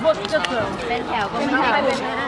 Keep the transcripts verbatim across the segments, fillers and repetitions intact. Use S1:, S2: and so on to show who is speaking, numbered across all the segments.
S1: เป็นแถวก็ไม่ใช่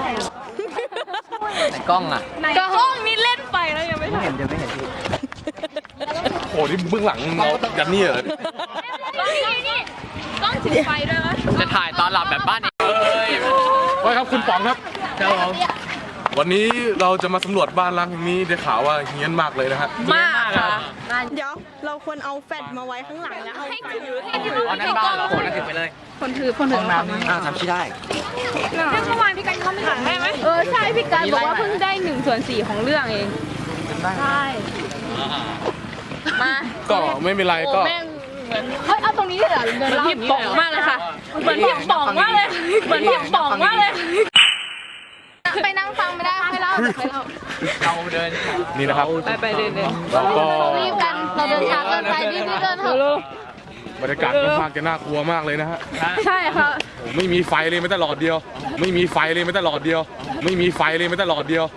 S2: ไหนกล้องอ่ะ
S1: กล้องนี่เล่นไปแล้วยังไม่
S2: ไม่เห็นเดี๋ยวไม่เห็นพี่
S3: โอ้นี่เบื้องหลังเรายันนี่เหรอ
S1: นี่กล้องถือไฟด้วยวะ
S2: จะถ่ายตอนหลับแบบบ้านนี้เลย
S3: ไว้ครับคุณป๋องครับ
S2: ครับผม
S3: วันนี้เราจะมาสำรวจบ้านล้างแห่งนี้ได้ข่าวว่าเฮี้ยนมากเลยนะฮะ
S1: มากค่ะ
S4: เดี๋ยวเราควรเอาแฟลชมาไว้ข้างหลังแล้วเอา
S1: ให้
S4: ไฟ
S1: ถือให้ถือ
S2: อ๋อนั่นบ้านเหรอโหนั่นถึงไปเลย
S1: คนถือคนถือ
S2: ห้องน้ำอ่าทำที่ได้
S1: เมื่อวานพี่กันเขาไม่ถ่ายให้ไหมเออใช่พี่กันบอกว่าเพิ่งได้หนึ่งส่วนสี่ของเรื่องเองใช่มา
S3: ก็ไม่เป็นไรก็
S1: เฮ้ยเอาตรงนี้เลยเหรอเดินเล่าพี่ป๋องมากเลยค่ะเหมือนพี่ป๋องมากเลยเหมือนพี่ป๋องมากเลยไปนั่งฟังไม่ได้ให้เล่าให้เล่า
S2: เราเดิน
S3: นี่นะครับ
S1: ไปไปเดินเดิน
S3: เราก็
S1: รีบกันเราเดินช้าเกินไปรีบรีบเดินเถอะ
S3: บรรยากาศค่อนข้างจะน่ากลัวมากเลยนะฮะ
S1: ใช่ค่ะ
S3: โอ้ไม่มีไฟเลยไม่แต่หลอดเดียว ไม่มีไฟเลยไม่แต่หลอดเดียว ไม่มีไฟเลยไม่แต่หลอดเดียว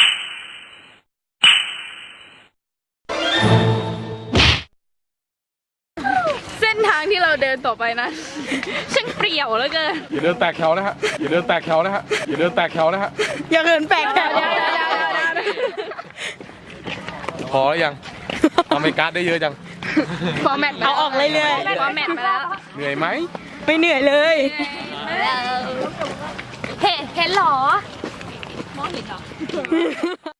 S1: เส้นทางที่เราเดินต่อไปนะช่างเปรี่ยวเหลือเกิน
S3: อย่าเดินแตกแถวนะฮะอย่าเดินแตกแถวนะฮะอย่าเดินแตกแถวนะฮะ
S4: อย่าเกินแปลกแถว
S3: พอแล้วยังทำไมการ์ดได้เยอะจัง
S1: ฟอร์แมต
S4: เอาออกเรื่อย
S1: ฟอร์แมตไปแล้ว
S3: เหนื่อยไหม
S4: ๆไม่เหนื่อยเลย
S1: เห็นเห็นหรอ